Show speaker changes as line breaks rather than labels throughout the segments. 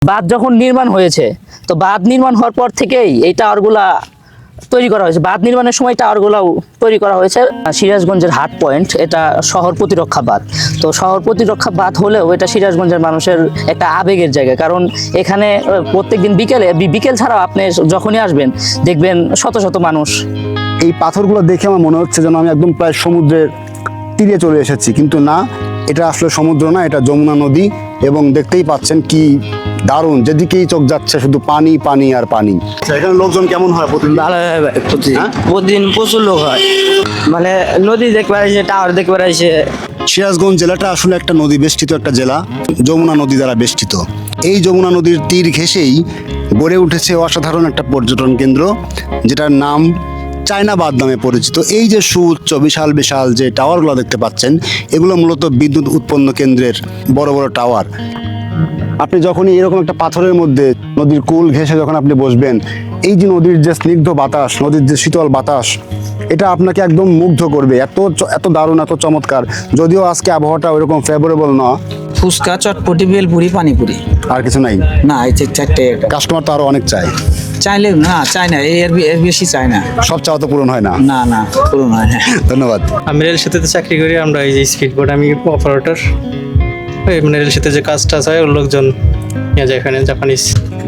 বাঁধ যখন নির্মাণ হয়েছে, তো বাঁধ নির্মাণ হওয়ার পর থেকেই এই টাওয়ারগুলা তৈরি করা হয়েছে। বাঁধ নির্মাণের সময় টাওয়ারগুলাও তৈরি করা হয়েছে। সিরাজগঞ্জের হাট পয়েন্ট, এটা শহর প্রতিরক্ষা বাঁধ। তো শহর প্রতিরক্ষা বাঁধ হলেও এটা সিরাজগঞ্জের মানুষের একটা আবেগের জায়গা, কারণ এখানে প্রত্যেকদিন বিকেল ছাড়াও আপনি যখনই আসবেন দেখবেন শত শত মানুষ।
এই পাথরগুলো দেখে আমার মনে হচ্ছে যেন আমি একদম প্রায় সমুদ্রের তীরে চলে এসেছি, কিন্তু না, এটা আসলে সমুদ্র না, এটা যমুনা নদী। এবং দেখতেই পাচ্ছেন কি দারুণ, যেদিকেই চোখ যাচ্ছে শুধু পানি পানি আর পানি। এখানে লোকজন কেমন হয় প্রতিদিন?
ভালো হয় ভাই,
হ্যাঁ?
প্রতিদিন প্রচুর লোক হয়, মানে নদী দেখতে পারাইছে, টাওয়ার দেখতে পারাইছে।
সিরাজগঞ্জ জেলাটা আসলে একটা নদী বেষ্টিত একটা জেলা, যমুনা নদী দ্বারা বেষ্টিত। এই যমুনা নদীর তীর ঘেঁষেই গড়ে উঠেছে অসাধারণ একটা পর্যটন কেন্দ্র, যেটার নাম চায়নাবাদ নামে পরিচিত। এই যে সুউচ্চ বিশাল বিশাল যে টাওয়ারগুলো দেখতে পাচ্ছেন, এগুলো মূলত বিদ্যুৎ উৎপন্ন কেন্দ্রের বড় বড় টাওয়ার। আপনি যখনই এরকম একটা পাথরের মধ্যে নদীর কুল ঘেঁষে যখন আপনি বসবেন, এই যে নদীর যে স্নিগ্ধ বাতাস, নদীর যে শীতল বাতাস, এটা আপনাকে একদম মুগ্ধ করবে। এত দারুণ, এত চমৎকার। যদিও আজকে আবহাওয়াটা ওইরকম ফেভারেবল না।
ফুচকা, চটপটি, বেলপুরি, পানিপুরি,
আর কিছু নাই।
না এই চারটে।
কাস্টমার তো আরো অনেক চায়।
চাইলে না, চাই না, এর বেশি চাই না।
সব চাওয়া তো পূরণ হয় না।
না না, পুরো নয়।
ধন্যবাদ।
আমি রেল সেতুতে চাকরি করি। আমরা এই যে স্পিড বোট, আমি অপারেটর। মানে রেল সেতুতে যে কাজটা হয় ওর লোকজন নিয়ে যায় এখানে, জাপানিজ।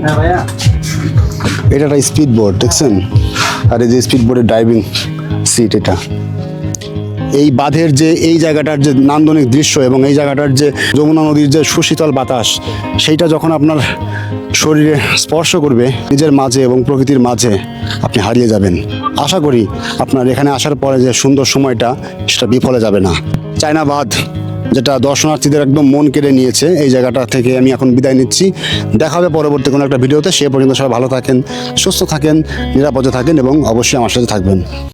এটা একটা স্পিড বোট, দেখছেন? আর এই যে স্পিড বোটের ড্রাইভিং সিট এটা। এই বাঁধের যে এই জায়গাটার যে নান্দনিক দৃশ্য এবং এই জায়গাটার যে যমুনা নদীর যে সুশীতল বাতাস, সেইটা যখন আপনার শরীরে স্পর্শ করবে নিজের মাঝে এবং প্রকৃতির মাঝে, আপনি হারিয়ে যাবেন। আশা করি আপনার এখানে আসার পরে যে সুন্দর সময়টা, সেটা বিফলে যাবে না। চায়নাবাদ, যেটা দর্শনার্থীদের একদম মন কেড়ে নিয়েছে, এই জায়গাটা থেকে আমি এখন বিদায় নিচ্ছি। দেখা হবে পরবর্তী কোনো একটা ভিডিওতে। সে পর্যন্ত সবাই ভালো থাকেন, সুস্থ থাকেন, নিরাপদে থাকেন এবং অবশ্যই আমার সাথে থাকবেন।